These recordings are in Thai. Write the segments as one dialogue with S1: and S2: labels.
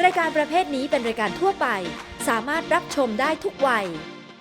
S1: รายการประเภทนี้เป็นรายการทั่วไปสามารถรับชมได้ทุกวัย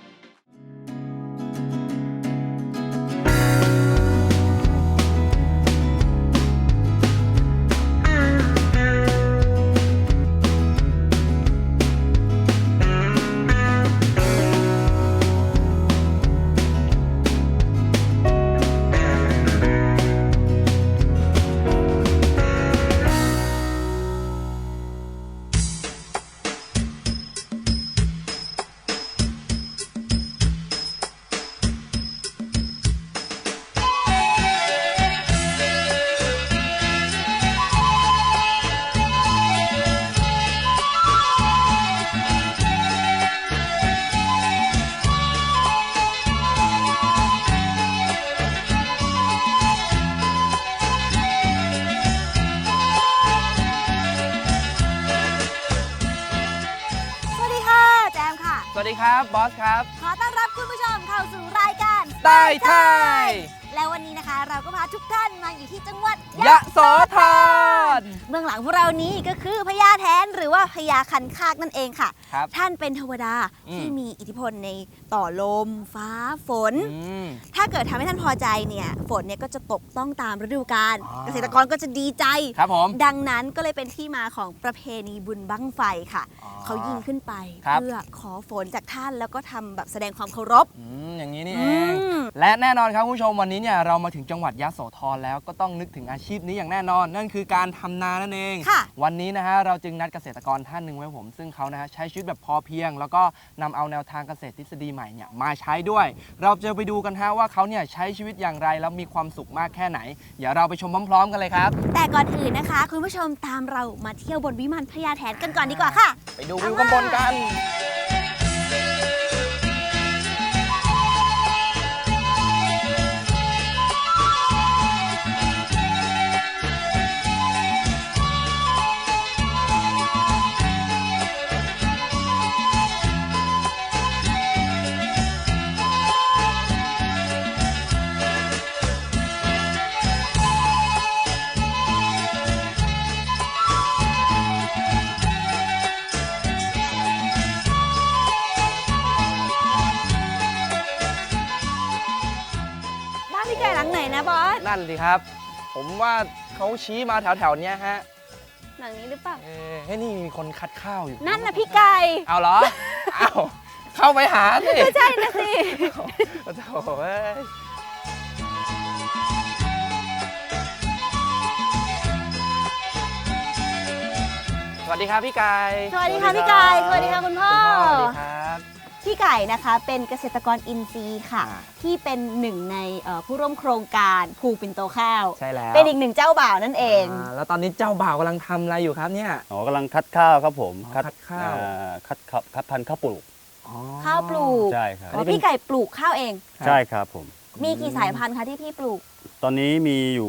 S2: สวัสดีครับบอสครับ
S3: ขอต้อนรับคุณผู้ชมเข้าสู่รายการ
S2: ใต้ไทย
S3: และวันนี้นะคะเราก็พาทุกท่านมาอยู่ที่จังหวัด
S2: ยะโสธร
S3: เบื้องหลังพวกเรานี้ก็คือพญาแถนหรือว่าพญาคันคากนั่นเองค่ะท่านเป็นเทวดาที่มีอิทธิพลในต่อลมฟ้าฝนถ้าเกิดทำให้ท่านพอใจเนี่ยฝนเนี่ยก็จะตกต้องตามฤดูกาลเกษตรกรก็จะดีใจ
S2: ครับผม
S3: ดังนั้นก็เลยเป็นที่มาของประเพณีบุญบั้งไฟค่ะเขายิงขึ้นไปเพื่อขอฝนจากท่านแล้วก็ทำแบบแสดงความเคารพ
S2: อย่างนี้นี่เองและแน่นอนครับคุณผู้ชมวันนี้เนี่ยเรามาถึงจังหวัดยะโสธรแล้วก็ต้องนึกถึงอาชีพนี้อย่างแน่นอนนั่นคือการทำนานั่นเองวันนี้นะฮะเราจึงนัดเกษตรกรท่านหนึ่งไว้ผมซึ่งเขานะฮะใช้ชีวิตแบบพอเพียงแล้วก็นำเอาแนวทางเกษตรทฤษฎีใหม่เนี่ยมาใช้ด้วยเราจะไปดูกันฮะว่าเขาเนี่ยใช้ชีวิตอย่างไรแล้วมีความสุขมากแค่ไหนเดี๋ยวเราไปชมพร้อมๆกันเลยครับ
S3: แต่ก่อนอื่นนะคะคุณผู้ชมตามเรามาเที่ยวบนวิมานพญาแถนกันก่อนดีกว่าค่ะ
S2: ไปดูวิวข้างบนกัน
S3: นะบอส
S2: นั่นสิครับผมว่าเขาชี้มาแถวๆนี้ฮะ
S3: หลังนี้หรือเปล่า
S2: ให้นี่มีคนคัดข้าวอยู่
S3: นั่นนะพี่ไก่
S2: เอาเหรอเอาเข้าไปหาสิ
S3: ไม่ใช่นะสิ
S2: โอ้โหสวัสดีครับพี่ไก่
S3: สวัสดีค่ะพี่ไก่สวัสดีค่ะคุณพ่อ
S2: สวัสดีครับ
S3: พี่ไก่นะคะเป็นเกษตรกรอินทรีย์ค่ะที่เป็นหนึ่งในผู้ร่วมโครงการภูปิ่นโตข้าว
S2: ใช่แล้ว
S3: เป็นอีกหนึ่งเจ้าบ่าวนั่นเอง
S2: แล้วตอนนี้เจ้าบ่าวกำลังทำอะไรอยู่ครับเนี่ย
S4: กำลังคัดข้าวครับผม
S2: คัดข้าว
S4: คัดพันธุ์ข้าวปลูก
S3: ข้าวปลูก
S4: ใช่ครับ
S3: พี่ไก่ปลูกข้าวเอง
S4: ใช่ครับผม
S3: มีกี่สายพันธุ์คะที่พี่ปลูก
S4: ตอนนี้มีอยู่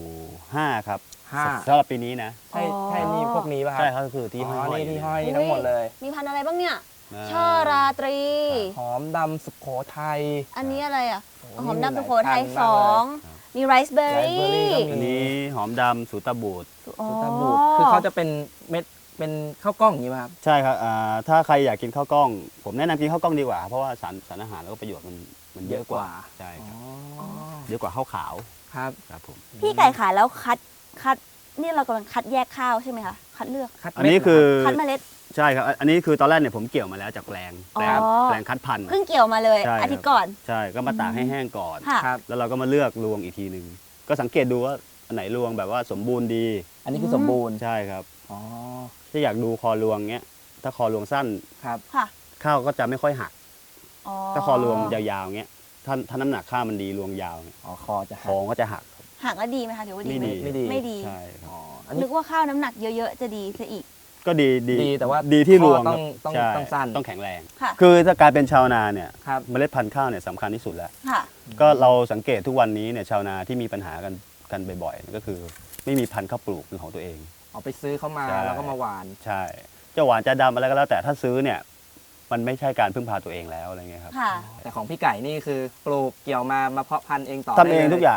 S4: 5ครับสำหรับปีนี้นะ
S2: ใช่นี่พวกนี้ป่ะครับ
S4: ใช่ครับคือที่ห้อย
S2: ที่ห้อยทั้งหมดเลย
S3: มีพันธุ์อะไรบ้างเนี่ยช่อราตรี
S2: หอมดำสุโขทัย
S3: อันนี้อะไรอ่ะหอมดำสุโขทัย2มีไรซ์เบอร์รี่
S4: อันนี้หอมดำสูตาบูด
S2: คือเขาจะเป็นเม็ดเป็นข้าวกล้องอย่างนี้ป่ะครับ
S4: ใช่ครับถ้าใครอยากกินข้าวกล้องผมแนะนำกินข้าวกล้องดีกว่าเพราะว่าสารอาหารแล้วก็ประโยชน์มันเยอะกว่าใช่ครับเยอะกว่าข้าวขาว
S2: ครับ
S4: ผม
S3: พี่ไก่ขายแล้วคัดนี่เรากำลังคัดแยกข้าวใช่ไหมคะคัดเลือก
S4: อันนี้คือ
S3: คัดเมล็ด
S4: ใช่ครับอันนี้คือตอนแรกเนี่ยผมเกี่ยวมาแล้วจากแปลงคัดพันธุ์
S3: เพิ่งเกี่ยวมาเลยอาทิตย์ก่อน
S4: ใช่ก็มาตากให้แห้งก่อนแล้วเราก็มาเลือกรวงอีกทีนึงก็สังเกตดูว่าอันไหนรวงแบบว่าสมบูรณ์ดี
S2: อันนี้คือสมบูรณ์
S4: ใช่ครับถ้าอยากดูคอรวงเงี้ยถ้าคอรวงสั้น
S2: ครับ
S4: ข้าวก็จะไม่ค่อยหักถ้าคอรวงยาวๆเงี้ยถ้าน้ำหนักข้าวมันดีรวงยาวเนี่ย
S2: คอ
S4: ก็จะหัก
S3: แล้วดีไหมคะถือว่าดี
S4: ไม่ดี
S3: ใช่นึกว่าข้าวน้ำหนักเยอะๆจะดีซะอีก
S4: ก็ดี
S2: แต่ว่า
S4: ดีที่รวง
S2: ต้องสั้น
S4: ต้องแข็งแรงคือถ้าการเป็นชาวนาเนี่ยเมล็ดพันธุ์ข้าวเนี่ยสำคัญที่สุดแล้วก็เราสังเกตทุกวันนี้เนี่ยชาวนาที่มีปัญหากันบ่อยๆก็คือไม่มีพันธุ์ข้าวปลูกเป็นของตัวเอง
S2: เอาไปซื้อเข้ามาแล้วก็มาหวาน
S4: ใช่จะหวานจะดำอะไรก็แล้วแต่ถ้าซื้อเนี่ยมันไม่ใช่การพึ่งพาตัวเองแล้วอะไรเงี้ยครับ
S2: แต่ของพี่ไก่นี่คือปลูกเกี่ยวมาเพาะพันธุ์เองต่อ
S4: ทำเองทุกอย่าง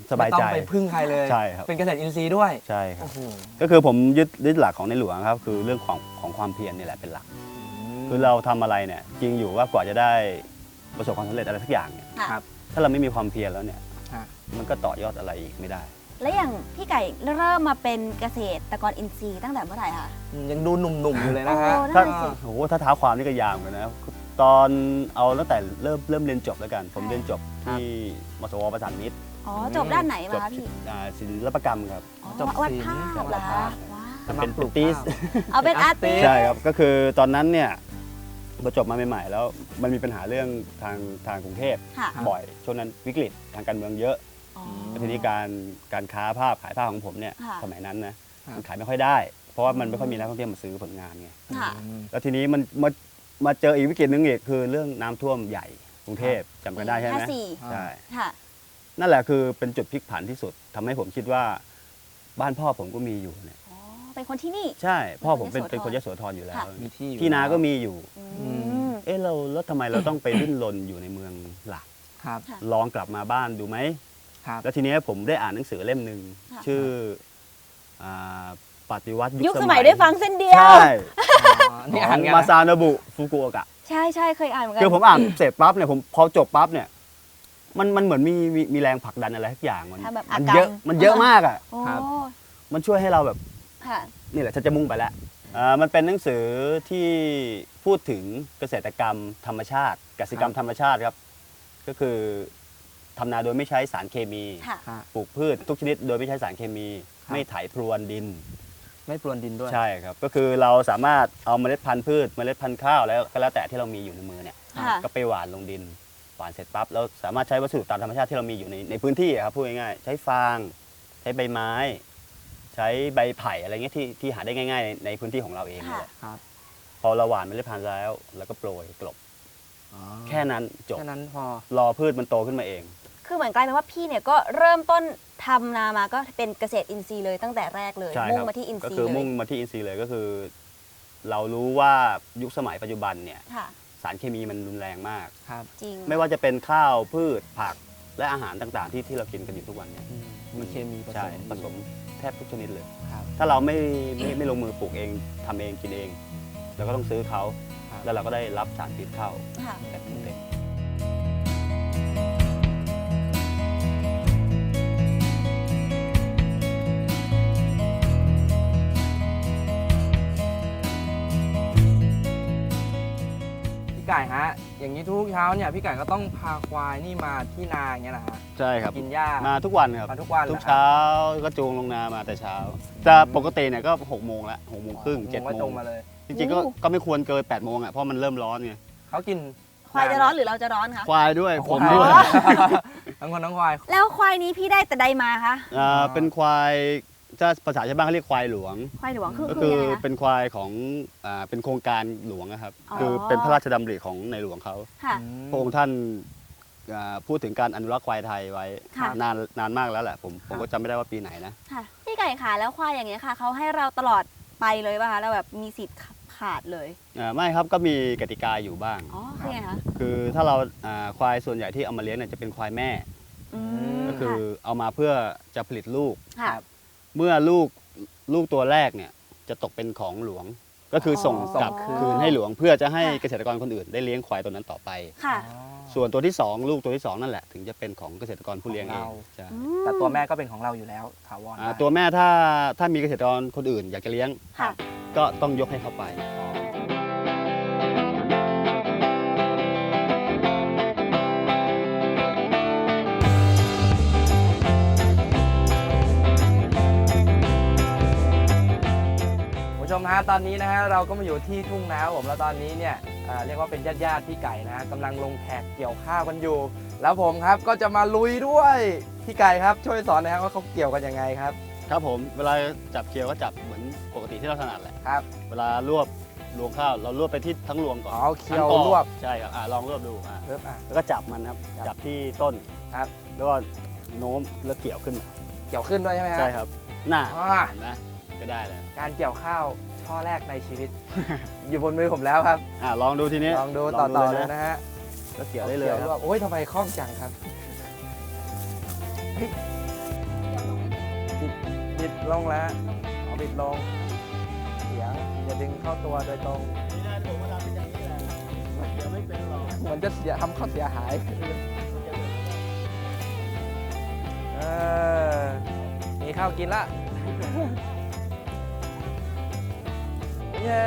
S4: สบายใจ
S2: ไม่ต้องไปพึ่งใครเลย
S4: ใช่ครับ
S2: เป็นเกษตรอินทรีย์ด้วย
S4: ใช่ครับ
S2: โอ้โห
S4: ก็คือผมยึดหลักของในหลวงครับคือเรื่องของความเพียรนี่แหละเป็นหลัก คือเราทำอะไรเนี่ยจริงอยู่ว่ากว่าจะได้ประสบความสำเร็จอะไรสักอย่างเนี่ย
S2: ครับ
S4: ถ้าเราไม่มีความเพียรแล้วเนี่ย
S2: ฮะ
S4: มันก็ต่อยอดอะไรอีกไม่ได้
S3: และอย่างพี่ไก่เริ่มมาเป็นเกษตรกรอินทรีย์ตั้งแต่เมื่อไหร่คะ
S2: ยังดูหนุ่มๆอยู่เลยนะฮะ
S3: โอ้
S4: ถ้า
S3: นั่นสิ
S4: โอ้โหถ้าเท้าความนี่ก็ยาวเหมือนกันนะตอนเอาตั้งแต่เริ่มเรียนจบแล้วกัน ผมเรียนจบที่มสวประสานมิตร
S3: อ๋อจบด้านไหน
S4: จ
S3: มา
S4: บ
S3: คะพี่
S4: ศิลปกรรมครับ
S3: อ๋อ
S2: จบ
S3: วัด
S2: ศิลป์
S3: ภาพ
S2: จบ
S3: เหรอ
S2: วัดภา
S3: คะ
S2: พ
S3: ว้าว
S2: กำลังปลูก
S4: เป็น
S2: ข้าว
S3: เอาเป็นอาร์ติส
S4: ใช่ครับก็คือตอนนั้นเนี่ยพอจบมาใหม่ๆแล้วมันมีปัญหาเรื่องทางกรุงเทพ
S3: ค่ะ
S4: บ่อยช่วงนั้นวิกฤตทางการเมืองเยอะ
S3: อ๋อ
S4: แล้วทีนี้การค้าภาพขายภาพของผมเนี่ย
S3: ค่ะ
S4: สมัยนั้นนะ
S2: ค่ะ
S4: มันขายไม่ค่อยได้ เพราะว่ามันไม่ค่อยมีนักท่องเที่ยวมาซื้อผลงานไง
S3: ค่ะ
S4: แล้วทีนี้มันมาเจออีกวิกฤตหนึงอีกคือเรื่องน้ำท่วมใหญ่กรุงเทพจำกันได้ใช่ไหม
S3: 54
S4: ใช่
S3: ค่ะ
S4: นั่นแหละคือเป็นจุดพลิกผันที่สุดทำให้ผมคิดว่าบ้านพ่อผมก็มีอยู่เนี่ย
S3: อ๋อ เป็นคนที่นี่
S4: ใช่พ่อผมเป็น
S3: เป็นคนยโสธร
S4: คนยโสธรอยู่แล้ว
S3: ค่ะ
S2: มีที่อยู่
S4: ที่นาก็มีอยู่
S3: อืม
S4: เอ๊ะแล้วทำไมเราต้องไปดิ้นรนอยู่ในเมืองหลัก
S2: ครับ
S3: ค่ะ
S4: ลองกลับมาบ้านดูไหม
S2: ครับ
S4: แล้วทีนี้ผมได้อ่านหนังสือเล่มหนึ่ง
S3: ค่ะ
S4: ชื่ออ่าปฏิวัติ
S3: ยุ
S4: ยุ
S3: คสมัยได้ฟังเส้นเดียว
S4: ใช่
S2: นี่
S4: ข
S2: อ่า
S4: อน ง
S2: กัน
S4: มา
S2: นะ
S4: ซาโนบุฟุกุโอกะ
S3: ใช่ใช่เคยอ่านเหมือนกั
S4: คือผมอ่านเสร็จปั๊บเนี่ยผมพอจบปั๊บเนี่ยมันเหมือนมีแรงผลักดันอะไรทุกอย่างมัน
S3: ทำแบบ
S4: มัน
S3: อา
S4: เยอะ
S3: กรรม
S4: มันเยอะมากอ่ะ
S3: โอ้
S2: ครับ
S4: มันช่วยให้เราแบบ
S3: ค่ะ
S4: นี่แหละฉันจะมุ่งไปแล้วมันเป็นหนังสือที่พูดถึงเกษตรกรรมธรรมชาติกสิกรรมธรรมชาติครับ ก็คือทำนาโดยไม่ใช้สารเคมี
S3: ค่ะ
S2: ค่ะ
S4: ปลูกพืชทุกชนิดโดยไม่ใช้สารเคมี
S2: ครับ
S4: ไม่ไถพรวนดิน
S2: ไม่ปรวนดินด้วย
S4: ใช่ครับ ก็คือเราสามารถเอาเมล็ดพันธุ์พืชเมล็ดพันธุ์ข้าวแล้วก็แล้วแต่ที่เรามีอยู่ในมือเนี่ย
S3: ค่ะ
S4: ก็ไปหว่านลงดินหว่านเสร็จปั๊บเราสามารถใช้วัสดุตามธรรมชาติที่เรามีอยู่ในพื้นที่อะครับพูดง่ายๆใช้ฟาง ใช้ใบไม้ ใช้ใบไผ่อะไรเงี้ยที่หาได้ง่ายๆในพื้นที่ของเราเองนี่แหละ
S2: ครับ
S4: พอเราหว่านเมล็ดพันธุ์แล้วเราก็โปรยกลบ
S2: อ๋อ
S4: แค่นั้นจบ
S2: แค่นั้นพอ
S4: รอพืชมันโตขึ้นมาเอง
S3: คือเหมือนกลายเป็นว่าพี่เนี่ยก็เริ่มต้นทำนามาก็เป็นเกษตรอินทรีย์เลยตั้งแต่แรกเลย
S4: ใช่
S3: มุ่
S4: ค
S3: ง
S4: รับ
S3: มาที่อินท
S4: ก็
S3: รีย์
S4: คือ
S3: เล
S4: มุ่
S3: ย
S4: งมาที่อินทรีย์เลยก็คือ เรารู้ว่ายุคสมัยปัจจุบันเนี่ย
S3: ค่ะ
S4: สารเคมีมันรุนแรงมาก
S2: ครับ
S3: จริง
S4: ไม่ว่าจะเป็นข้าวพืชผักและอาหารต่างๆ ที่เรากินกันอยู่ทุกวันเนี่ย
S2: มีเคมีผส
S4: ใช่
S2: ม
S4: ผสมแทบทุกชนิดเลย
S2: ครับ
S4: ถ้าเราไม่ลงมือปลูกเองทำเองกินเองเราก็ต้องซื้อเขา
S2: ครับ
S4: แล้วเราก็ได้รับสารพิษเข้า
S3: ค่ะ
S4: แบบเต็ม
S2: พี่ไก่ฮะ อย่างนี้ทุกเช้าเนี่ยพี่ไก่ก็ต้องพาควายนี่มาที่นาอย่างเงี้ยนะฮะ
S4: ใช่ครับ
S2: กินหญ้า
S4: มาทุกวันครับ
S2: มาทุกวัน
S4: ทุก
S2: หรอครับ
S4: เช้าก็จูงลงนามาแต่เช้าจะปกติเนี่ยก็6 โมงละ6 โมงครึ่ง 7
S2: ก็
S4: โม
S2: จ
S4: ง
S2: งมาเลย
S4: จริงๆก็ไม่ควรเกิน8 โมงอ่ะเพราะมันเริ่มร้อนไง
S2: เขากิน
S3: ควายจะร้อนหรือเราจะร้อนคะ
S4: ควายด้วย
S2: อ๋อ
S4: ผม
S2: ควาย
S4: ด้วย
S2: ทั้งคนทั้งควาย
S3: แล้วควายนี้พี่ได้แต่ใดมาคะ
S4: เป็นควายถ้าภาษาชาวบ้านเขาเรียกควายหลวง
S3: ควายหลวงคือ
S4: ก็
S3: คื
S4: คือ อ
S3: ยังไงคะ
S4: เป็นควายของเป็นโครงการหลวงนะครับ
S3: อ๋อ
S4: คือเป็นพระราชดำริของในหลวงเขา
S3: ค่ะ
S4: พระองค์ท่านพูดถึงการอนุรักษ์ควายไทยไว้
S3: ค่ะ
S4: นานมากแล้วแหละผมก็จำไม่ได้ว่าปีไหนนะ
S3: ค่ะพี่ไก่ขาแล้วควายอย่างเงี้ยค่ะเขาให้เราตลอดไปเลยป่ะคะเราแบบมีสิทธิ์ขาดเลย
S4: ไม่ครับก็มีกติกาอยู่บ้าง
S3: อ๋อคือไงคะ
S4: คือถ้าเราควายส่วนใหญ่ที่เอามาเลี้ยงเนี่ยจะเป็นควายแม่
S3: ม
S4: ก็คือเอามาเพื่อจะผลิตลูก
S3: ค่ะ
S4: เมื่อลูกตัวแรกเนี่ยจะตกเป็นของหลวง ก็คือส่งกลับ
S3: อ๋อ
S4: คืนให้หลวง เพื่อจะให้เกษตรกรคนอื่นได้เลี้ยงควายตัวนั้นต่อไป
S3: ค่ะ
S4: ส่วนตัวที่ 2 ลูกตัวที่ 2 นั่นแหละถึงจะเป็นของเกษตรกรผู้เลี้ยงเองใช่
S3: อืม
S2: แต่ตัวแม่ก็เป็นของเราอยู่แล้วถาวร
S4: ตัวแม่ถ้ามีเกษตรกรคนอื่นอยากจะเลี้ยง
S3: ค่ะ
S4: ก็ต้องยกให้เขาไป
S2: คุณผู้ชมฮะตอนนี้นะฮะเราก็มาอยู่ที่ทุ่งนาผมแล้วตอนนี้เนี่ยเรียกว่าเป็นญาติพี่ไก่นะฮะกำลังลงแขกเกี่ยวข้าวกันอยู่ แล้วผมครับก็จะมาลุยด้วยพี่ไก่ครับช่วยสอนหนะครับว่าเขาเกี่ยวกันยังไงครับ
S4: ครับผมเวลาจับเคียวก็จับเหมือนปกติที่เราถนัดแหละ
S2: ครับ
S4: เวลารวบรวงข้าวเรารวบไปที่ทั้งรวงก่อน
S2: อ๋อเคี่ยว
S4: ทั้งกอ
S2: รวบ
S4: ใช่ครับลองรวบดู
S2: เริ่ม
S4: แล้วก็จับมันครับ
S2: จับ
S4: จับที่ต้น
S2: ครับ
S4: แล้วก็โน้มแล้วเกี่ยวขึ้นมา
S2: เกี่ยวขึ้นด้วยใช่ไหมฮะ
S4: ใช่ครับหน้า
S2: อ่า
S4: เห็นไหมก็ได้แล้ว
S2: การเกี่ยวข้าวช่อแรกในชีวิต อยู่บนมือผมแล้วครับ
S4: ลองดูทีนี้
S2: ลองดูต่อๆเลยนะฮะ
S4: ก็เกี่ยวได้เลย
S2: กี่ว
S4: ค
S2: รว
S4: รั
S2: บบ โอ้ยทำไมคล่องจังครับเฮ้ยบิดลงแล้วเอาบิดลงเสียงอย่าดึงเข้าตัวโดยตรง
S4: นี่นะผมมาทำเป็นอย่างนี้แหละเดี๋ยวไม่เป็นหรอก
S2: เหมือนจะทำเขาเสียหายมีข้าวกินละ เย้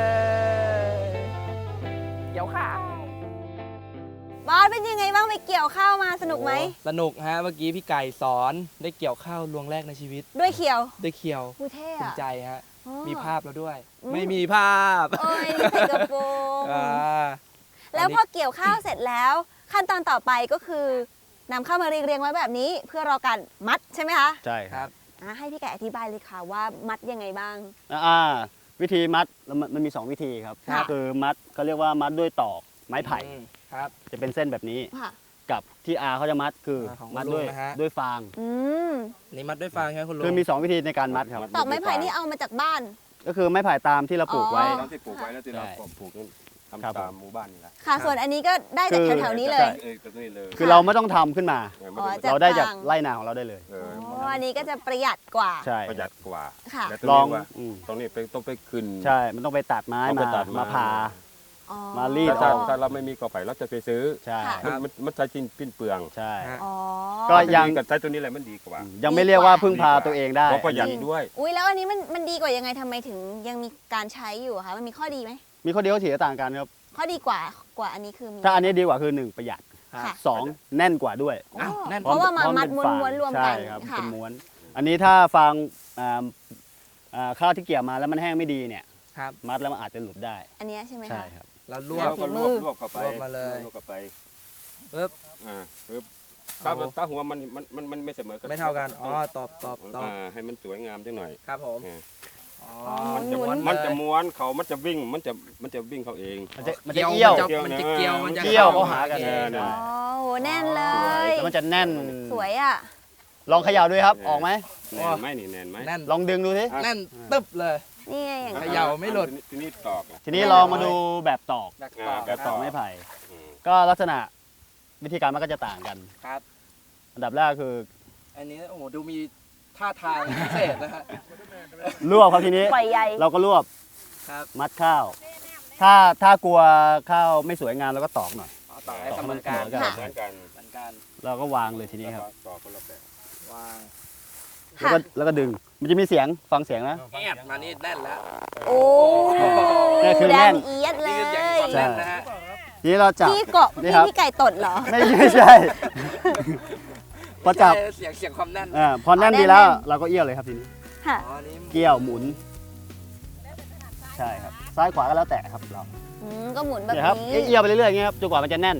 S2: เกี่ยวข้าว
S3: บอสเป็นยังไงบ้างไปเกี่ยวข้าวมาสนุกไหม
S2: สนุกฮะเมื่อกี้พี่ไก่สอนได้เกี่ยวข้าวลวงแรกในชีวิต
S3: ด้วยเขียว
S2: ได้เคียว
S3: กูเท่
S2: ภู
S3: อะ
S2: มิใจฮะ
S3: อ๋อ
S2: มีภาพแล้วด้วย
S3: อืม
S2: ไม่มีภาพ
S3: โอ้ยนี่ใส่กระโปรง
S2: อ่า
S3: แล้วพอเกี่ยวข้าวเสร็จแล้ว ขั้นตอนต่อไปก็คือนำข้าวมาเรียงๆไว้แบบนี้ เพื่อรอการมัดใช่ไหมคะ
S4: ใช่
S2: ค
S4: ค
S2: รั
S4: รับ บ
S3: ให้พี่ไก่อธิบายเลยค่ะว่ามัดยังไงบ้าง
S4: วิธีมัดมันมี 2 วิธีครับ
S3: ค่ะ
S4: คือมัดเขาเรียกว่ามัดด้วยตอกไม้ไผ่
S2: ครับ
S4: จะเป็นเส้นแบบนี้
S3: ค่ะ
S4: กับที่อาเขาจะมัดคือ
S2: ของ
S4: มัด
S2: ลุง
S4: ด้วย
S2: นะฮะ
S4: ด้วยฟาง
S3: อืม
S2: นี่มัดด้วยฟางใช่ไหมคุณลุง
S4: คือมี 2 วิธีในการมัดครับ
S3: ตอกไม้ไผ่นี่เอามาจากบ้าน
S4: ก็คือไม้ไผ่ตามที่เราปลูกไว้
S3: อ๋อ
S5: ตามที่ปลูกไว้แล้วที่เรา
S4: ใช่
S5: ปลูกนั้น
S4: ครับ
S5: ทำตามหมู่บ้านนี่แหละ
S3: ค่ะ ส่วนอันนี้ก็ได้จากแถวๆนี้เลย
S5: ตรงนี้เลย
S4: คือเราไม่ต้องทำขึ้นมา
S5: ไม่
S3: อ๋อ
S5: ต้อง
S3: จาก
S4: เราได้จาก
S3: ฟาง
S4: ไร่นาของเราได้เลย
S3: อ๋ออันนี้ก็จะประหยัดกว่า
S4: ใช่
S5: ประหยัดกว่า
S3: ค่ะ
S5: แต่
S4: ลอง
S5: ว่า
S4: อืม
S5: ตรงนี้ต้องไปขึ้น
S4: ใช่ มันต้องไปตัดไม้
S5: ต้องไป
S4: มา
S5: ตัด
S4: มาผ่า
S3: อ๋อ
S4: มารีด
S5: ถ้า
S4: ออก
S5: ถ้าเราไม่มีกอไผ่เราจะไปซื้อ
S4: ใช่
S3: ค่ะ
S5: มันใช้ชิ้นปิ้นเปลือง
S4: ใช่
S3: อ๋อ
S4: ก็ยัง
S5: กับใช้ตัวนี้แหละมันดีกว่า
S4: ยังไม่เรียกว่าพึ่งพาตัวเองได้
S5: เพราะประหยัดด้วย
S3: อุ้ยแล้วอันนี้มันดีกว่ายังไงทำไมถึงยังมีการใช้อยู่อะคะ มันมีข้อดีไหม
S4: มีข้อดีข้อเสียต่างกันครับ
S3: ข้อดีกว่าอันนี้คือมี
S4: ถ้าอันนี้ดีกว่าคือ 1 ประหยัด
S3: ค่ะ
S4: 2 แน่นกว่าด้วย
S3: โอ้
S2: อ้าวแน่น
S3: เพราะว่ามา
S4: พร้อ
S3: มัด
S4: เป็ฟาง
S3: ม้วนๆรวมกัน
S4: ใช่ครับ
S3: ค่ะ
S4: เป็นม้วน อันนี้ถ้าฟางข้าวที่เกี่ยวมาแล้วมันแห้งไม่ดีเนี่ย
S2: ครับ
S4: มัดแล้วมันอาจจะหลุดได้
S3: อันเนี้ยใช่ไหม
S4: ใช่
S3: คะ
S4: ครับ
S2: แล้วร
S5: ร
S2: ว
S5: ว
S2: บบ
S5: ก็รวบเข้าไป
S2: รวบมาเลย
S5: รวบเข้าไป
S2: ปึ๊บ
S5: ปึ๊บ
S2: เอา
S5: ถ้าหัวมันไม่เสมอกัน
S2: ไม่เท่ากันอ๋อตอบ
S5: ให้มันสวยงามจังหน่อย
S2: ครับผม
S5: อ่า
S2: อ๋อ
S5: มันจะม้วนเขามันจะวิ่งมันจะวิ่งเขาเอง
S4: มันจะเอี้ยว
S2: มันจะเกี่ยวมันจะ
S4: เกี่ยวเข้าหากัน
S2: เอง
S5: เนี่ย
S3: อ๋อโหแน่นเล
S4: สวย
S3: ย
S4: แล้วมันจะแน่น
S3: สวยอ่ะ
S4: ลองเขย่าด้วยครับ ออกไหม
S5: แน่นไหมนี่แน่นไหม
S2: แน่น
S4: ลองดึงดูสิ
S2: แน่นตึ๊บเลย
S3: นี่ไงอย่าง
S2: เข
S3: นั้น
S2: ย่าไม่หลุด
S5: ทีนี้ตอกอ่ะ
S4: ทีนี้ลองมาดูแบบตอก
S2: แบบ
S5: แบบต่อ
S4: ไม้ไผ่
S5: อืม
S4: ก็ลักษณะวิธีการมันก็จะต่างกัน
S2: ครับ
S4: อันดับแรกคือ
S2: อันนี้โอ้โหดูมีท่าทางพิเศษนะฮะ
S4: รวบครับทีนี้
S3: ปล่อยใย
S4: เราก็รวบ
S2: ครับ
S4: มัดข้าว ถ้ากลัวข้าวไม่สวยงามเราก็ตอกหน่อย
S2: เอาต่อให้เสมอกัน
S4: ต่อให้
S5: เหมือนกัน
S2: เหมือนกัน
S4: เราก็วางเลยทีนี้ครับ
S5: ต่อคนละแบบ
S2: วาง
S4: แล้วก็ดึง มันจะมีเสียงฟังเสียงนะ
S2: แอบมานี่แน่นแล้ว
S3: โอ้
S4: นี่คือ
S3: แด
S4: แน่
S3: ง
S4: น
S3: เอียดเล
S2: นี่
S3: ย
S2: คือเสียงความแน่นนะฮะ
S4: ทีนี้เราจับ
S3: พี่เกาะ
S4: นี่ครับ
S3: พี่ไก่ตดเหรอ
S4: ไม่ใช่ พอจับ
S2: ใช่เสียงความแน่น
S4: พอแน่นดีแล้ว เราก็เอี้ยวเลยครับทีนี้
S3: ค่ะ
S2: อ๋อนี่
S4: เกี่ยวหมุน ใช่ครับ ซ้ายขวาก็แล้วแต่ครับเรา
S3: ก็หมุนแบบ
S4: เนี่ยครับ
S3: นี้
S4: เอี้ยวไปเรื่อยๆอย่างเงี้ยครับจนกว่ามันจะแน่น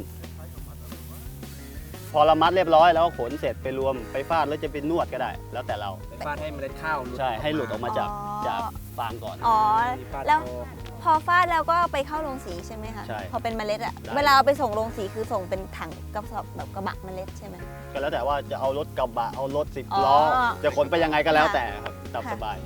S4: พอเรามัดเรียบร้อยแล้วก็ขนเสร็จไปรวมไปฟาดแล้วจะเป็นนวดก็ได้ แล้วแต่เรา
S2: ไปฟาดให้เมล็ดข้าวหลุด
S4: ใช่ให้หลุดออกมาจาก
S3: อ๋อ
S4: จากฟางก่อน
S3: อ๋อ
S2: มีฟาด
S3: แล้ว
S2: โชว์
S3: พอฟาดแล้วก็ไปเข้าโรงสีใช่ไหมคะ
S4: ใช่
S3: พอเป็นเมล็ดอะ
S4: ได้
S3: เวลาเอาไปส่งโรงสีคือส่งเป็นถังกระสอบแบบกระบะเมล็ดใช่ไหม
S4: ก็แล้วแต่ว่าจะเอารถกระบะเอารถ10 ล้อ
S3: อ๋อ
S4: จะขนไปยังไงก็แล้วแต่ครับตาม
S3: ค่ะ
S4: สบาย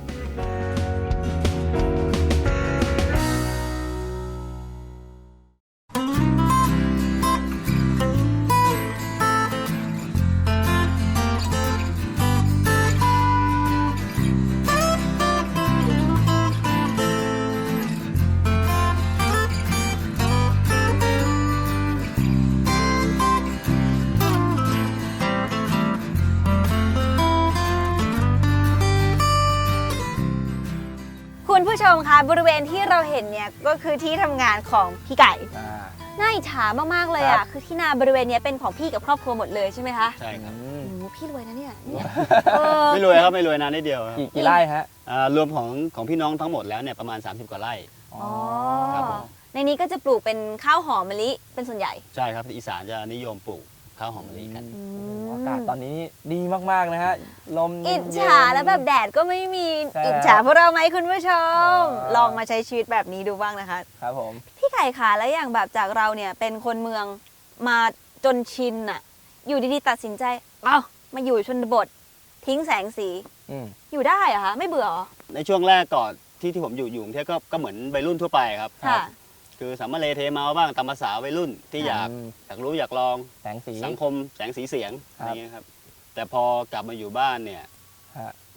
S3: คุณผู้ชมคะบริเวณที่เราเห็นเนี่ยก็คือที่ทำงานของพี่ไก่
S2: อ่า
S3: น่าอิจฉามากๆเลย
S2: ครั
S3: อ่ะ
S2: บ
S3: คือที่นาบริเวณเนี้ยเป็นของพี่กับครอบครัวหมดเลยใช่ไหมคะ
S4: ใช่ครับ
S2: อืม
S3: โอ้โหพี่รวยนะเนี่ยเออ
S4: ไม่รวยครับไม่รวยนานนิดเดียวครับ
S2: กี่ไร่ฮะ
S4: รวมของพี่น้องทั้งหมดแล้วเนี่ยประมาณ 30 กว่าไร่
S3: อ๋อ
S4: ครับผม
S3: ในนี้ก็จะปลูกเป็นข้าวหอมมะลิเป็นส่วนใหญ่
S4: ใช่ครับอีสานจะนิยมปลูกข้าวหอมมะลิกัน
S2: อากาศตอนนี้ดีมากๆนะฮะ ลม
S3: อิจ
S2: เย็น
S3: ฉาแล้วแบบแดดก็ไม่มี
S2: ใช่
S3: อิจฉาพวกเราไหมคุณผู้ชม
S2: อ๋อ
S3: ลองมาใช้ชีวิตแบบนี้ดูบ้างนะคะ
S2: ครับผม
S3: พี่ไก่คะแล้วอย่างแบบจากเราเนี่ยเป็นคนเมืองมาจนชินอะอยู่ดีๆตัดสินใจเอ้ามาอยู่ชนบททิ้งแสงสี
S2: อืม
S3: อยู่ได้เหรอคะไม่เบื่อเหรอ
S4: ในช่วงแรกก่อนที่ผมอยู่กรุงเทพก็เหมือนวัยรุ่นทั่วไปครับ
S3: ค่ะ
S4: คือสามารถเลเทเมาบ้างตามภาษาวัยรุ่นที่อยากรู้อยากลอง
S2: แสงสี
S4: สังคมแสงสีเสียง
S2: ครับ
S4: อะไรเงี้ยครับแต่พอกลับมาอยู่บ้านเนี่ย
S2: ฮะ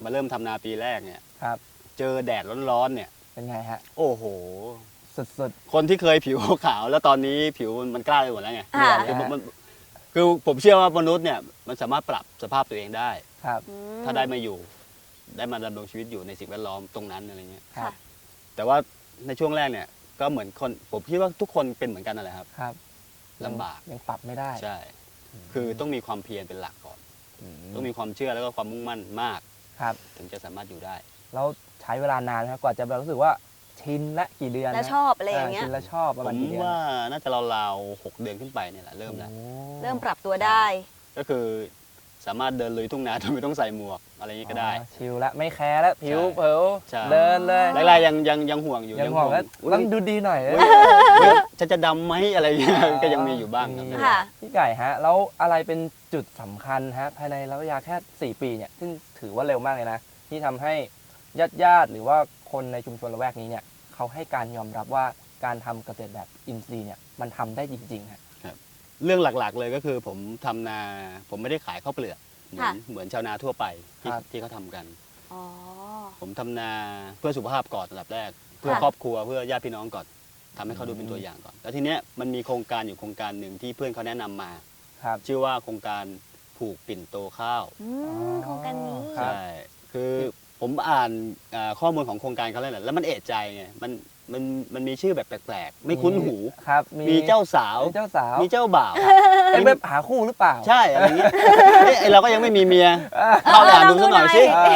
S4: มาเริ่มทำนาปีแรกเนี่ย
S2: ครับ
S4: เจอแดดร้อนๆเนี่ย
S2: เป็นไงฮะ
S4: โอ้โห
S2: สุด
S4: คนที่เคยผิวขาวแล้วตอนนี้ผิวมันกล้าไปหมดแล้วไง
S3: ค่ะ
S4: คือผมเชื่อว่ามนุษย์เนี่ยมันสามารถปรับสภาพตัวเองได้
S2: ๆครับ
S4: ถ้าได้มาอยู่ ได้มาดำรงชีวิตอยู่ในสิ่งแวดล้อมตรงนั้นอะไรเงี้ย
S2: ครับ
S4: แต่ว่าในช่วงแรกเนี่ยก็เหมือนคนผมคิดว่าทุกคนเป็นเหมือนกันนั่นแหละครับ
S2: ครับ
S4: ลำบาก
S2: ยังปรับไม่ได้
S4: ใช่ คือต้องมีความเพียรเป็นหลักก่อน ต้องมีความเชื่อแล้วก็ความมุ่งมั่นมาก
S2: ครับ
S4: ถึงจะสามารถอยู่ได้
S2: แล้วใช้เวลานานไหมครับกว่าจะแบบรู้สึกว่าชินและกี่เดือน
S3: แล้ว
S2: นะ
S3: ชอบอะไรอย่างเงี้ย
S2: ชินและชอบประ
S4: ผ
S2: มาณ
S4: ม
S2: กี่เดือน
S4: ว่าน่าจะราวๆ6 เดือนขึ้นไปเนี่ยแหละเริ่มแล้ว
S2: โอ้
S3: เริ่มปรับตัวได้
S4: ก็คือสามารถเดินลุยทุ่งนาโดยไม่ต้องใส่หมวกอะไรอย่างนี้ก็ได้
S2: อ๋อชิลละไม่แคร์แล้วผิว
S4: ใช่
S2: เผลอ
S4: ใช่
S2: เดินเลย
S4: แรกๆยังห่วงอยู่
S2: ยังห่วงแล้ว
S4: อุ๊ย
S2: ต้องดูดีหน่อย
S4: อุ๊ยฉันจะดำไหมอะไรอย่างเงี้ยก็ยังมีอยู่บ้างครับ
S3: ค่ะ
S2: พี่ไก่ฮะแล้วอะไรเป็นจุดสำคัญฮะภายในระยะเวลาแค่ 4 ปีเนี่ยซึ่งถือว่าเร็วมากเลยนะที่ทำให้ญาติหรือว่าคนในชุมชนละแวกนี้เนี่ยเขาให้การยอมรับว่าการทำเกษตรแบบอินทรีย์เนี่ยมันทำได้จริงๆฮะ
S4: เรื่องหลักๆเลยก็คือผมทำนาผมไม่ได้ขายข้าวเปลือกเหมือน
S3: ค่ะ
S4: เหมือนชาวนาทั่วไปที่
S2: ครับ
S4: ที่เขาทำกัน
S3: อ๋อ
S4: ผมทำนาเพื่อสุขภาพก่อนอันดับแรก เพื่อ
S3: ค่ะ
S4: ครอบครัวเพื่อญาติพี่น้องก่อนทำให้เขาดูเป็นตัวอย่างก่อน แล้วทีเนี้ยมันมีโครงการอยู่โครงการหนึ่งที่เพื่อนเขาแนะนำมา
S2: ครับ
S4: ชื่อว่าโครงการผูกปิ่นโตข้าว
S3: โครงการนี้
S2: ครับ
S4: ใช่คือผมอ่านข้อมูลของโครงการเขาแล้วแหละแล้วมันเอะใจไงมันมีชื่อแบบแปลกๆ ไม่คุ้นหู
S2: ครับ
S4: มีเจ้าสาว
S2: มีเจ้าสาว
S4: มีเจ้าบ่าว
S2: เป็นแบบหาคู่หรือเปล่า
S4: ใช่อะไรอย่างเงี้ยเอ้ยเราก็ยังไม่มีเมียเข้าไปอ่านดูสักหน่อยสิ
S3: ลองดูหน่อย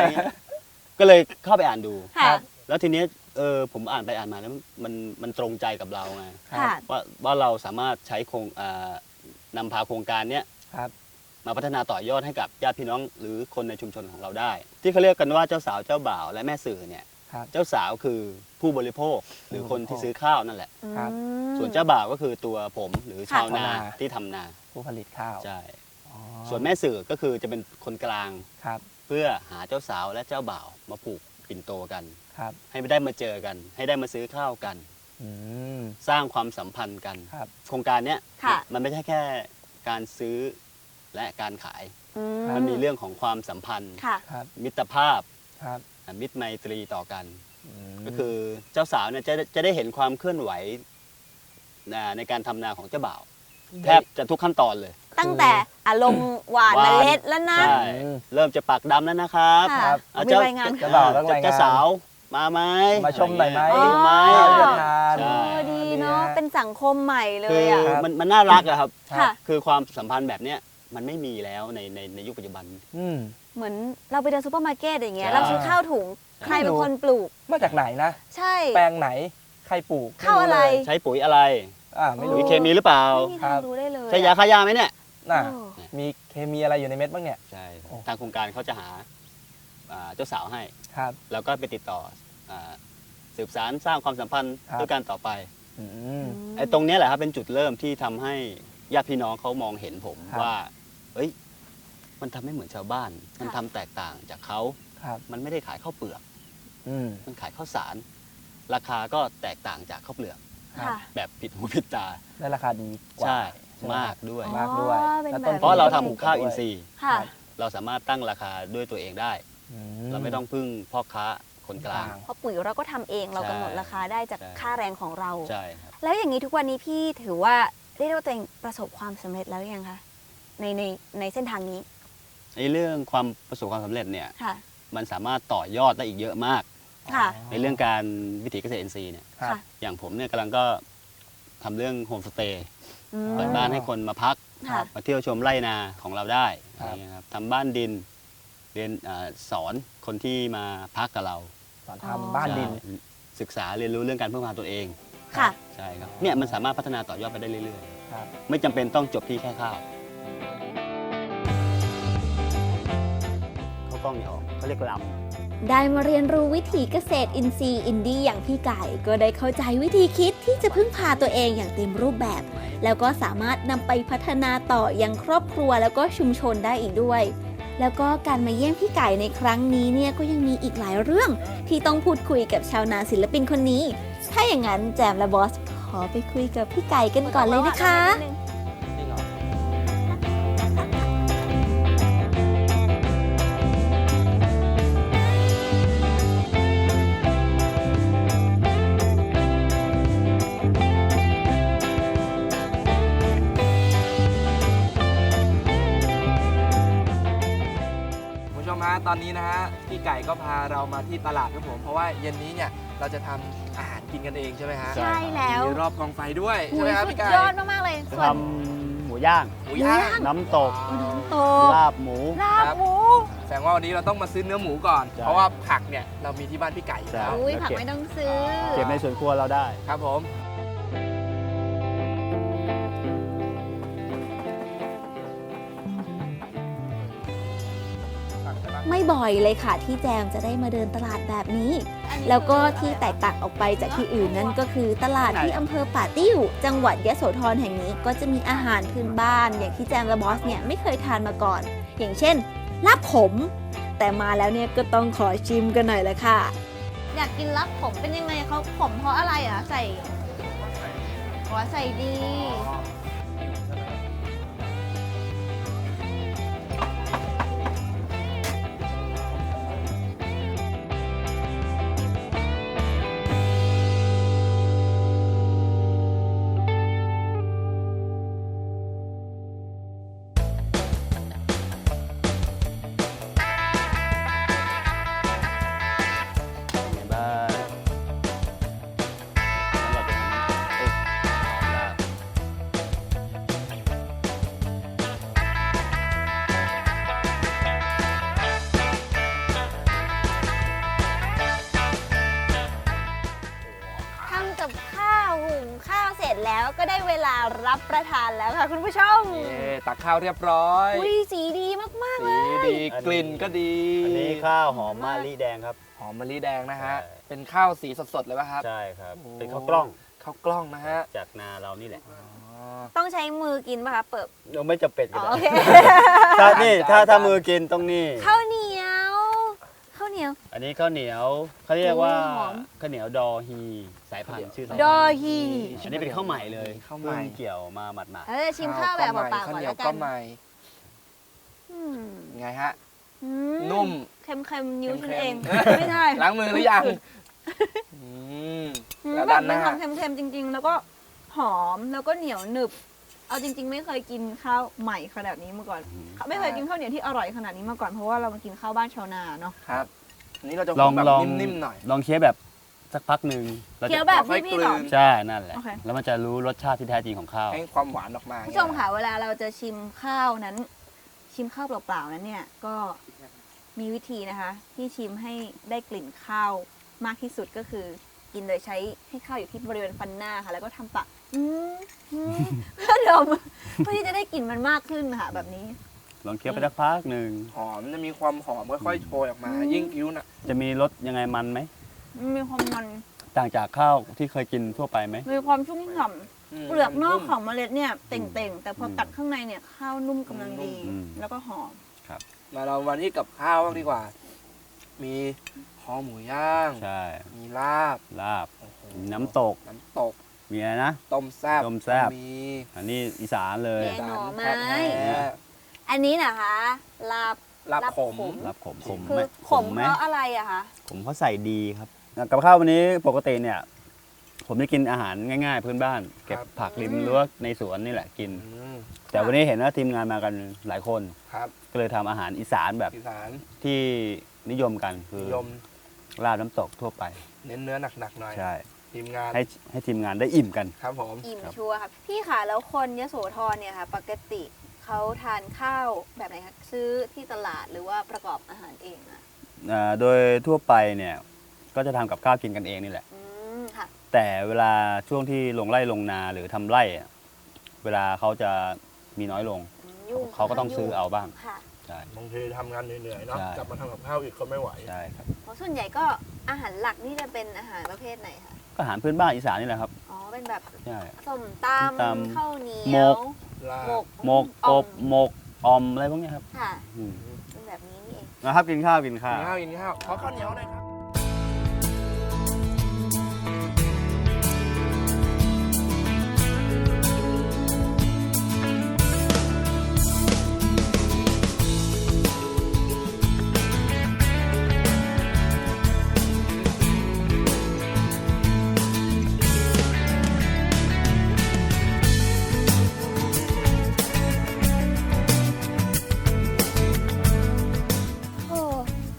S4: ก็เลยเข้าไปอ่านดู
S3: ค่ะ
S4: แล้วทีเนี้ยผมอ่านไปอ่านมาแล้วมันตรงใจกับเราไง
S3: ค่ะ
S4: ว่าเราสามารถใช้นำพาโครงการเนี้ย
S2: ครับ
S4: มาพัฒนาต่อยอดให้กับญาติพี่น้องหรือคนในชุมชนของเราได้ ที่เขาเรียกกันว่าเจ้าสาวเจ้าบ่าวและแม่สื่อเนี่ย
S2: ครับ
S4: เจ้าสาวคือผู้บริโภคหรือคนที่ซื้อข้าวนั่นแหละ
S2: ครับ
S4: ส่วนเจ้าบ่าวก็คือตัวผมหรือชาวนา
S2: ค่ะ
S4: ที่ทำนา
S2: ผู้ผลิตข้าว
S4: ใช่
S2: อ๋อ
S4: ส่วนแม่สื่อก็คือจะเป็นคนกลาง
S2: ครับ
S4: เพื่อหาเจ้าสาวและเจ้าบ่าวมาผูกปิ่นโตกัน
S2: ครับ
S4: ให้ได้มาเจอกัน ให้ได้มาซื้อข้าวกัน
S2: อืม
S4: สร้างความสัมพันธ์กัน
S2: ครับ
S4: โครงการเนี้ย
S3: ค่ะ
S4: มันไม่ใช่แค่การซื้อและการขาย
S3: อื
S4: มันมีเรื่องของความสัมพันธ์
S3: ค่ะ
S2: ครับ
S4: มิตรภาพ
S2: ครับ
S4: มิตรไมตรีต่อกัน
S2: ม
S4: ก็คือเจ้าสาวเนี่ยจะได้เห็นความเคลื่อนไหวในการทำนาของเจ้าบ่าว แทบจะทุกขั้นตอนเลย
S3: ตั้งแต่อารมณ์หวาน
S4: หวาน
S3: เมล็ดแล้วนะ
S4: ใช่เริ่มจะปักดำแล้วนะครับ
S3: ค่ะ
S4: อ่ะ
S3: มีรายงาน
S2: เจ้าบ่าวต้องรายงาน
S4: เจ้าสาวมาไหม
S2: มาชมหน่อยไหม
S3: อ๋อ
S4: ดูไหม
S2: ข้าวจะทาน
S4: ใช่
S3: ดีเนาะ เป็นสังคมใหม่เล
S4: คื
S3: ย
S4: อ
S3: อ่ะ
S2: ครับ
S4: มันน่ารักอะครับ
S3: ค่ะ
S4: คือความสัมพันธ์แบบเนี้ยมันไม่มีแล้วในยุคปัจจุบัน
S2: อืม
S3: เหมือนเราไปเดินซูเปอร์มาร์เก็ตอย่างเงี้ย
S4: ใช่
S3: เราซื้อข้าวถุง ใครเป็นคนปลูก
S2: มาจากไหนนะ
S3: ใช่
S2: แปลงไหน ใครปลูก
S3: ข้าวอะไร
S2: ม่
S4: ใช้ปุ๋ยอะไร
S2: ไม่
S3: โอ้
S2: รู้
S4: มีเคมีหรือเปล่า
S3: ไม่มีทางรู้ได้เลย
S4: ใช้ยาฆ่าหญ้าไหมเนี่ย
S2: น่ะ
S3: โอ้
S2: มีเคมีอะไรอยู่ในเม็ดบ้างเนี่ย
S4: ใช่
S2: โอ้
S4: ทางโครงการเขาจะหาเจ้าสาวให้
S2: ครับ
S4: แล้วก็ไปติดต่อสืบสารสร้างความสัมพันธ์
S2: ครับ
S4: ด้วยกันต่อไป
S2: อืม
S4: ไอ้ตรงเนี้ยแหละครับเป็นจุดเริ่มที่ทำให้ญาติพี่น้องเขามองเห็นผม
S2: ครับ
S4: ว่าเอ้ยมันทำไม่เหมือนชาวบ้าน มันทำแตกต่างจากเขา
S2: ครับ
S4: มันไม่ได้ขายข้าวเปลือก
S2: อืม
S4: มันขายข้าวสาร ราคาก็แตกต่างจากข้าวเปลือก
S2: ครับ
S3: ค่ะ
S4: แบบผิดหูผิดตา
S2: ได้ราคาดีกว่า
S4: ใช่
S2: ใช่ไห
S4: มากด้วย
S2: มากด้วย
S3: อ๋อเป็น
S2: แล้ว
S3: แบบ
S2: ต้นทุน
S4: เพราะเราทำ
S2: ก็
S4: หุงข้าว
S2: ด้
S4: อินทรีย์
S3: ค่ะ
S4: เราสามารถตั้งราคาด้วยตัวเองได้
S2: อื
S4: เราไม่ต้องพึ่งพ่อค้าคนกลาง
S3: เพราะปุ๋ยเราก็ทำเองเรากำหนดราคาได้จาก
S4: ใช่
S3: ค่าแรงของเรา
S4: ใช่ครับ
S3: แล้วอย่างนี้ทุกวันนี้พี่ถือว่าเรียกได้ว่าตัวเองประสบความสำเร็จแล้วหรือยังคะในเส้นทางนี้
S4: ในเรื่องความประสบความสำเร็จเนี่ย
S3: ค่ะ
S4: มันสามารถต่อยอดได้อีกเยอะมาก
S3: ค่ะ
S4: ในเรื่องการวิถีเกษตรอินทรีย์เนี่ย
S2: ครับ
S3: ค่ะ
S4: อย่างผมเนี่ยกำลังก็ทำเรื่องโฮมสเตย์
S3: อืม
S4: เปิดบ้านให้คนมาพัก
S3: ค่ะ
S4: มาเที่ยวชมไร่นาของเราได้
S2: ครับ
S4: อะไรเงี้ยครับทำบ้านดินเรียนสอนคนที่มาพักกับเรา
S2: สอนทำบ้านดิน
S4: ใช่ศึกษาเรียนรู้เรื่องการพึ่งพาตัวเอง
S3: ค่ะ
S4: ใช่ครับเนี่ยมันสามารถพัฒนาต่อยอดไปได้เรื่อย
S2: ครับ
S4: ๆ ไม่จำเป็นต้องจบที่แค่ข้าวเขากล้องนี่ออกเขาเรียกลำ
S3: ได้มาเรียนรู้วิถีเกษตรอินทรีย์อินดี้อย่างพี่ไก่ก็ได้เข้าใจวิธีคิดที่จะพึ่งพาตัวเองอย่างเต็มรูปแบบ แล้วก็สามารถนำไปพัฒนาต่อยังครอบครัวแล้วก็ชุมชนได้อีกด้วย แล้วก็การมาเยี่ยมพี่ไก่ในครั้งนี้เนี่ยก็ยังมีอีกหลายเรื่อง ที่ต้องพูดคุยกับชาวนาศิลปินคนนี้ ถ้าอย่างนั้นแจมและบอสขอไปคุยกับพี่ไก่กันก่อนเลยนะคะ
S2: จริงเหรออนนี้นะฮะพี่ไก่ก็พาเรามาที่ตลาดครับผมเพราะว่าเย็นนี้เนี่ยเราจะทำอาหารกินกันเองใช่ไหมฮะ
S3: ใช่แล้ว
S2: มีรอบกองไฟด้วย
S3: หู
S2: ใช่ไหม
S3: ย
S2: ครับ
S3: สุด
S2: พี่ไก่
S3: ยอดมากๆเลย
S4: จะ
S3: ส่ว
S4: ท
S3: น
S4: ำหมูย่าง
S2: หมูย่าง
S4: น้ำตก
S3: น้ำตก
S4: ลาบหมู
S3: ลาบหมู
S2: แสดงว่าวันนี้เราต้องมาซื้อเนื้อหมูก่อน
S4: ใช่
S2: เพราะว่าผักเนี่ยเรามีที่บ้านพี่ไก่อยู่แล้ว
S4: ใช่
S3: อุ้ยผักไม่ต้องซื้อ
S4: เก็บในสวนครัวเราได้
S2: ครับผม
S3: ไม่บ่อยเลยค่ะที่แจมจะได้มาเดินตลาดแบบนี้ แล้วก็ที่แตกต่างออกไปจากที่อื่นนั่นก็คือตลาดที่อำเภอป่าติ้ว จังหวัดยโสธรแห่งนี้ก็จะมีอาหารพื้นบ้าน อย่างที่แจมและบอสเนี่ยไม่เคยทานมาก่อน อย่างเช่นลาบขม แต่มาแล้วเนี่ยก็ต้องขอชิมกันหน่อยละค่ะ อยากกินลาบขมเป็นยังไงเขาขมเพราะอะไรอ่ะใส่หัวใส่ดี
S4: เป็นไงบ้างแล้วเราจะทำลาบ
S3: ทำกับข้าวหุงข้าวเสร็จแล้วก็ได้เวลารับประทานแล้วค่ะคุณผู้ชม
S2: ตักข้าวเรียบร้อย
S3: อุ้ยสีดีมากๆเล
S2: สี
S3: ย
S2: ดีกลิ่นก็ดี
S4: อันนี้ข้าวหอมมะลิแดงครับ
S2: หอมมะลิแดงนะฮะ
S4: ใช่
S2: เป็นข้าวสีสดๆเลยป่ะครับ
S4: ใช่ครับ
S2: โอ้
S4: เป็นข้าวกล้อง
S2: ข้าวกล้องนะฮะ
S4: จากนาเรานี่แหละ
S2: อ๋อ
S3: ต้องใช้มือกินป่ะคะเปิบ
S4: เราไม่จะเป็ดก็
S3: อ๋อ
S4: ได้
S3: โอเค
S4: ถ้านี่
S2: จาน
S4: ถ้ามือกินต้องนี่
S3: ข้าวเหนียวข้าวเหนียว
S4: อันนี้ข้าวเหนียวเขาเรียกว่า
S3: โอ้ยหอม
S4: ข้าวเหนียวดอฮีสายพันธุ์ชื่อสาย
S3: ด
S4: พัน
S3: อ
S4: ธุ์
S3: ฮี
S4: อันนี้เป็นข้าวใหม่เลย
S2: ข้าวใหม่
S4: เพิ่งเกี่ยวมาหมาด
S3: เราจะชิมข้าวแบบเปล่าๆก่อน
S2: ข้าวเหนีย
S3: แล้ว วกั
S2: ก็
S3: น
S2: ใหม่
S3: อืม
S2: ไงฮะ
S3: อื
S2: นุ่ม
S3: เค็มๆนิ้วฉัน
S2: เค็มๆ
S3: เอง ไม่ใช่
S2: ล้างมือหรือยังอืม แล้ว
S3: แบ
S2: ด้า
S3: บ
S2: นห
S3: มัน
S2: น้า
S3: ทำเค็มๆจริง ๆ แล้วก็หอมแล้วก็เหนียวหนึบ เอาจริง ๆ ไม่เคยกินข้าวใหม่ขนาดนี้มาก่อน ไม่เคยกินข้าวเหนียวที่อร่อยขนาดนี้มาก่อนเพราะว่าเรามากินข้าวบ้านชาวนาเนาะ
S2: ครับอันนี้เราจะ
S4: ลอง
S2: แบบ
S4: ลอง
S2: นิ่มๆหน่อย
S4: ลองเคี้ยวแบบสักพักหนึ่งราจะ
S3: เคี้ยวแบบ
S2: ค่อย
S3: พี่
S2: กลืน
S3: ๆก่อน
S4: ใช่นั่นแหละ
S3: โอเค
S4: แล้วมันจะรู้รสชาติที่แท้จริงของข้าว
S2: ให้ความหวานออกมา
S3: ผู้ชมค่ะเวลาเราจะชิมข้าวนั้น ชิมข้าวเปล่าๆนั้นเนี่ยก็มีวิธีนะคะ ที่ชิมให้ได้กลิ่นข้าวมากที่สุดก็คือ กินโดยใช้ให้ข้าวอยู่ที่บริเวณฟันหน้าค่ะ แล้วก็ทำปากเพื่อดมเพื่อที่จะได้กลิ่นมันมากขึ้นค่ะแบบนี้
S4: ลองเคี้ยวไปสักพักหนึ่ง
S2: หอมจะมีความหอมค่อยๆโชยออกมา ยิ่งคิ้วน่ะ
S4: จะมีรสยังไงมันไหม
S3: มีความมัน
S4: ต่างจากข้าวที่เคยกินทั่วไปไหม
S3: มีความชุ่มฉ่ำเปลือกนอก
S2: มั
S3: ของเมล็ดเนี่ยเต่งๆ แต่พอกัดข้างในเนี่ยข้าวนุ่มกำลังดี
S4: อืม
S3: แล้วก็หอม
S2: มาเรามาที่กับข้าวบ้างดีกว่า มีคอหมูย่าง
S4: ใช่
S2: มีลาบ
S4: ลาบ
S2: โอ้โห
S4: น้ำตก
S2: น้ำตก
S4: มีอะไรนะ
S2: ต้มแซ่บ
S4: ต้มแซ่บ
S2: มี
S4: อันนี้อีสานเลย
S3: แกง หน่อไม้
S2: แท้
S3: อันนี้นะคะลาบ
S2: ๆลาบขม
S4: ลาบขมขม
S3: คื
S4: ไหม
S3: อขม
S4: ไหม
S3: เพราะอะไรอะคะ
S4: ผมเขาใส่ดีครับกับข้าววันนี้ปกติเนี่ย ผมจะกินอาหารง่ายๆพื้นบ้าน เก็บผักริมรั้วในสวนนี่แหละกิน
S2: อืม
S4: แต่วันนี้เห็นว่าทีมงานมากันหลายคน
S2: ครับ
S4: ก็เลยทำอาหารอีสานแบบ
S2: อีสาน
S4: ที่นิยมกันคือ
S2: นิยม
S4: ลาบน้ำตกทั่วไป
S2: เน้นเนื้อหนักๆหน่อย
S4: ใช่
S2: ทีมงาน
S4: ให้ทีมงานได้อิ่มกัน
S2: ครับผม
S3: อิ่ม
S4: ครับ
S3: ชัวร์ค่ะพี่ค่ะแล้วคนยโสธรเนี่ยค่ะ ปกติเขาทานข้าวแบบไหนคะซื้อที่ตลาดหรือว่าประกอบอาหารเองอะ
S4: โดยทั่วไปเนี่ยก็จะทำกับข้าวกินกันเองนี่แหละ
S3: อืมค่ะ
S4: แต่เวลาช่วงที่ลงไร่ลงนาหรือทำไร่อะเวลาเขาจะมีน้อยลง
S3: ยุ่ง
S4: เขาก็ต้องซื้อเอาบ้าง
S3: ค่ะ
S4: ใช่
S2: บางทีทำงานเหนื่อยๆเนาะ
S4: ใช่
S2: กลับมาทำกับข้าวอีกก็ไม่ไหว
S4: ใช่ครับ
S3: เพราะส่วนใหญ่ก็อาหารหลักนี่จะเป็นอาหารประเภทไหนคะ
S4: ก็อาหารพื้นบ้านอีสานนี่แหละครับ
S3: อ๋อเป็นแบบ
S4: ใช่
S3: ส้มต
S4: ส้มตำ
S3: ำข้าวเหนี
S4: หม
S3: ยว
S4: ก
S2: ลา
S3: หม
S2: บ
S3: ก
S4: หมก
S3: อ่
S4: อ
S3: อม
S4: บหมกออมอะไรพวกเนี้ยครับ
S3: ค่ะ
S4: อืม
S3: เป็นแบบนี้นี่เอง
S4: นะครับกินข้าวกิน
S2: กิ
S4: ข้าวน
S2: ข้าวกินข้าวขอข้าวเหนียวหน่อยครับ
S3: โอ้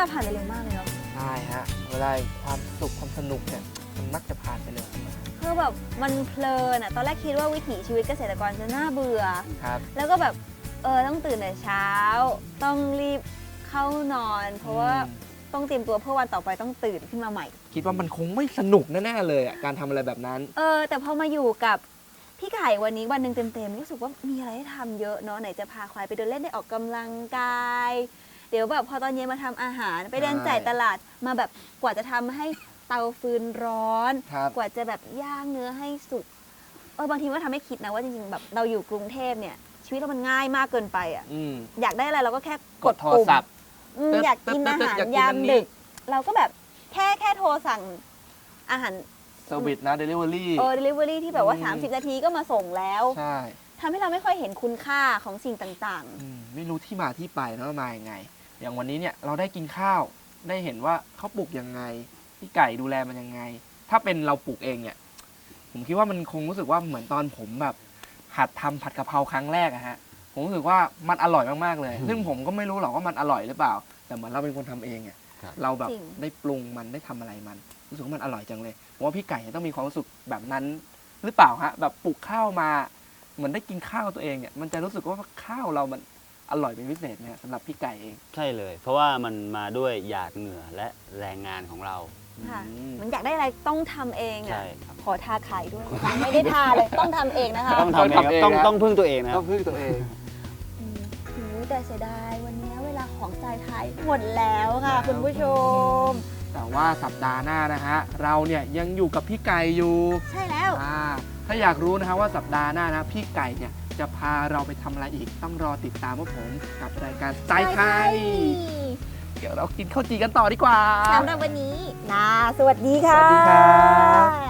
S3: ผ่านไปเร็วมากเลยเนาะ
S2: ใช่ฮะเวลาความสุขความสนุกเนี่ยมันมักจะผ่านไปเร็ว
S3: คือแบบมันเพลินอะตอนแรกคิดว่าวิถีชีวิตเกษตรกรจะน่าเบื่อ
S2: ครับ
S3: แล้วก็แบบต้องตื่นแต่เช้า ต้องรีบเข้านอน เพราะว่าต้องเตรียมตัวเพื่อวันต่อไปต้องตื่นขึ้นมาใหม่
S2: คิดว่ามันคงไม่สนุกแน่ๆเลยอ่ะการทำอะไรแบบนั้น
S3: แต่พอมาอยู่กับพี่ไก่วันนี้วันหนึ่งเต็มๆรู้สึกว่ามีอะไรให้ทำเยอะเนาะไหนจะพาควายไปเดินเล่นได้ออกกำลังกาย เดี๋ยวแบบพอตอนเย็นมาทำอาหารไปเดินจ่ายตลาดมาแบบกว่าจะทำให้เตาฟืนร้อน
S2: ครับ
S3: กว่าจะแบบย่างเนื้อให้สุกบางทีก็ทำให้คิดนะว่าจริงๆแบบเราอยู่กรุงเทพเนี่ยชีวิตเรามันง่ายมากเกินไปอ่ะ
S2: อืม
S3: อยากได้อะไรเราก็แค่
S2: กดโทรศัพท์
S3: อยากกินอาหาร
S2: อยากกิน
S3: ยา
S2: อั
S3: ม
S2: นนี้
S3: ดึก เราก็แบบแค่โทรสั่งอาหาร
S2: เซอร์วิสนะเดลิเวอรี่
S3: delivery ที่แบบว่า
S2: อืม
S3: 30 นาทีก็มาส่งแล้ว
S2: ใช่
S3: ทำให้เราไม่ค่อยเห็นคุณค่าของสิ่งต่าง
S2: ไม่รู้ที่มาที่ไปนะว่ามายังไง อย่างวันนี้เนี่ยเราได้กินข้าวได้เห็นว่าเขาปลูกยังไงพี่ไก่ดูแลมันยังไง ถ้าเป็นเราปลูกเองเนี่ย ผมคิดว่ามันคงรู้สึกว่าเหมือนตอนผมแบบหัดทำผัดกะเพราครั้งแรกอะฮะผมรู้สึกว่ามันอร่อยมากๆเลย ซึ่งผมก็ไม่รู้หรอกว่ามันอร่อยหรือเปล่า แต่เหมือนเราเป็นคนทำเองอะ
S4: ครับ
S2: เราแบบ
S3: จริง
S2: ได้ปรุงมันได้ทำอะไรมัน รู้สึกว่ามันอร่อยจังเลยผมว่าพี่ไก่ต้องมีความรู้สึกแบบนั้นหรือเปล่าฮะแบบปลูกข้าวมาเหมือนได้กินข้าวตัวเองเนี่ยมันจะรู้สึกว่าข้าวเรามันอร่อยเป็นพิเศษไหมฮะสำหรับพี่ไก่เอง
S4: ใช่เลย เพราะว่ามันมาด้วยหยาดเหงื่อและแรงงานของเรา
S3: ๆ ค่ะ
S2: อืม
S3: มันอยากได้อะไรต้องทำเอง
S4: ใช่
S3: อ่ะ
S4: ครับ
S3: ขอทาไข่ด้วย ไม่ได้ทาเลยต้องทำเองนะคะ
S4: ต้องทำเองครับต้องพึ่งตัวเองนะ
S2: ต้องพึ่งตัวเอง
S3: แต่เสียดายวันนี้เวลาของใจไทยหมดแล้วค่ะ คุณผู้ชม
S2: แต่ว่าสัปดาห์หน้านะฮะเราเนี่ยยังอยู่กับพี่ไก่อยู่
S3: ใช่แล้ว
S2: ถ้าอยากรู้นะฮะว่าสัปดาห์หน้านะพี่ไก่เนี่ยจะพาเราไปทำอะไรอีกต้องรอติดตามพวกผมกับรายการสไตล์ไทย เดี๋ยวเรากินข้าวจีกันต่อดีกว่า
S3: สำหรับวันนี้สวัสดีค่ะ
S2: สวัสดีครับ